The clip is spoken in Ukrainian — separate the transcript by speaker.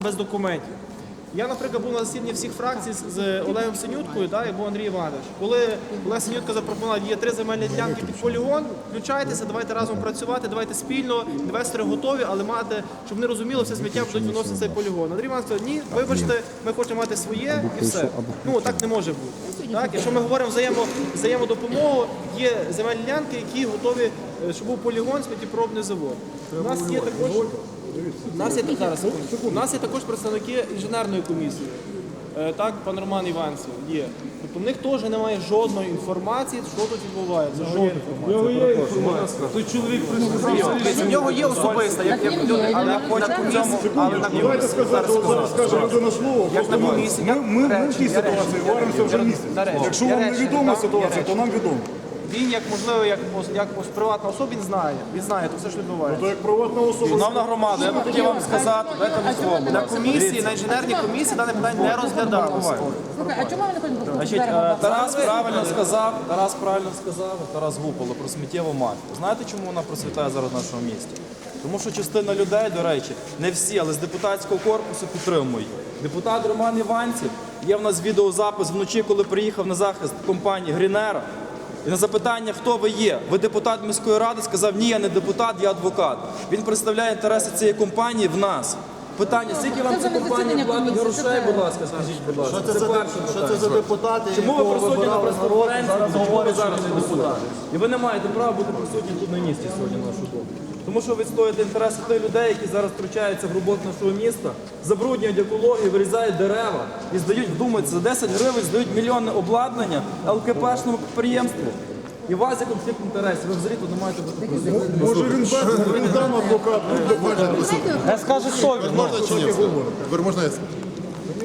Speaker 1: без документів. Я, наприклад, був на засіданні всіх фракцій з Олегом Синюткою, і був Андрій Іванович. Коли Олег Синютка запропонував, є 3 земельні ділянки під полігон, включайтеся, давайте разом працювати, давайте спільно, інвестори готові, але мати, щоб вони розуміли, все сміття будуть виносити цей полігон. Андрій Іванович сказав, ні, вибачте, ми хочемо мати своє і все. Так не може бути. Якщо ми говоримо взаємодопомогу, є земельні ділянки, які готові, щоб був полігон, сміттєпробний завод. У нас є також представники інженерної комісії. Пан Роман Іванцев є. Тобто в них теж немає жодної інформації, що тут відбувається. Жодної інформації.
Speaker 2: Той чоловік прийшов.
Speaker 1: В нього є особиста, як люди, але на комісії.
Speaker 3: Ми в цій ситуації варимося вже місяць. Якщо вам не відома ситуація, то нам відомо.
Speaker 1: Він, можливо, як приватна особа, він знає, то все, що відбувається.
Speaker 3: То як приватна особа...
Speaker 2: Шановна громада, я б хотів вам сказати, дайте мені слово, будь ласка.
Speaker 1: На інженерній комісії дане питання не розглядалося.
Speaker 4: А чому ви не хочете
Speaker 2: Тарас правильно сказав, Тарас Гупола про сміттєву мафію. Знаєте, чому вона процвітає зараз в нашому місті? Тому що частина людей, до речі, не всі, але з депутатського корпусу підтримують. Депутат Роман Іванців, є в нас відеозапис вночі, коли приїхав на захист компанії Грінера. І на запитання, хто ви є, ви депутат міської ради, сказав, ні, я не депутат, я адвокат. Він представляє інтереси цієї компанії в нас. Питання, скільки вам ця компанія платить грошей, будь ласка, скажіть, будь ласка.
Speaker 3: Що це за депутати,
Speaker 2: Чому ви присутні на прес-конференції, чому ви зараз не депутат? І ви не маєте права бути присутні тут на місці сьогодні, на нашу думку. Тому що ви відстоюєте інтереси тих людей, які зараз втручаються в роботу нашого міста, забруднюють екологію, вирізають дерева і здають, вдумайтеся, за 10 гривень здають мільйонне обладнання ЛКПшному підприємству. І у вас є конфлікт інтересів, ви взагалі тут не маєте бути присутні.
Speaker 3: Може він там адвокат,
Speaker 5: Можна чи ні? Можна я